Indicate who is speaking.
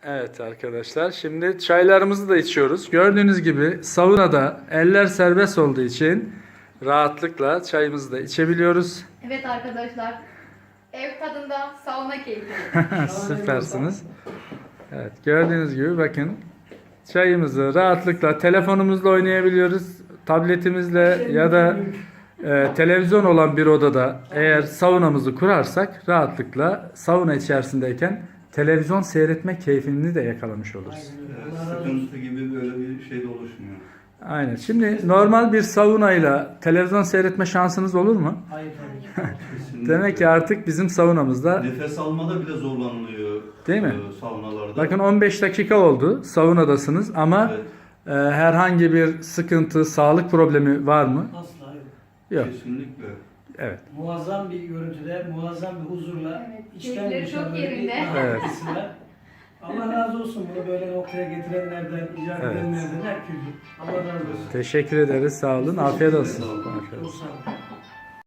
Speaker 1: Evet arkadaşlar, şimdi çaylarımızı da içiyoruz. Gördüğünüz gibi saunada eller serbest olduğu için rahatlıkla çayımızı da içebiliyoruz.
Speaker 2: Evet arkadaşlar. Ev tadında sauna keyfi.
Speaker 1: Süpersiniz. Evet, gördüğünüz gibi bakın çayımızı rahatlıkla telefonumuzla oynayabiliyoruz. Tabletimizle ya da televizyon olan bir odada eğer saunamızı kurarsak rahatlıkla sauna içerisindeyken televizyon seyretme keyfini de yakalamış oluruz.
Speaker 3: Sıkıntı gibi böyle bir şey de oluşmuyor.
Speaker 1: Aynen. Şimdi normal bir saunayla televizyon seyretme şansınız olur mu?
Speaker 4: Hayır tabii ki.
Speaker 3: Kesinlikle.
Speaker 1: Demek ki artık bizim saunamızda,
Speaker 3: Nefes almada bile zorlanılıyor.
Speaker 1: değil mi?
Speaker 3: Saunalarda.
Speaker 1: Bakın 15 dakika oldu saunadasınız ama
Speaker 3: Evet,
Speaker 1: herhangi bir sıkıntı, sağlık problemi var mı?
Speaker 4: Asla yok.
Speaker 1: Yok.
Speaker 3: kesinlikle.
Speaker 1: Evet.
Speaker 4: Muazzam bir görüntüde, muazzam bir huzurla,
Speaker 2: Evet,
Speaker 4: içten
Speaker 2: keyifleri
Speaker 4: dışa
Speaker 2: çok
Speaker 4: böyle bir
Speaker 2: yerinde.
Speaker 1: Evet.
Speaker 4: rahatlıkla. Allah razı olsun bunu böyle noktaya getirenlerden, icat
Speaker 1: Evet.
Speaker 4: edenlerden, herkese. Allah razı olsun.
Speaker 1: Teşekkür ederiz. Sağ olun. Afiyet olsun.
Speaker 3: Sağ olun.
Speaker 1: Afiyet olsun.
Speaker 4: Çok sağ olun.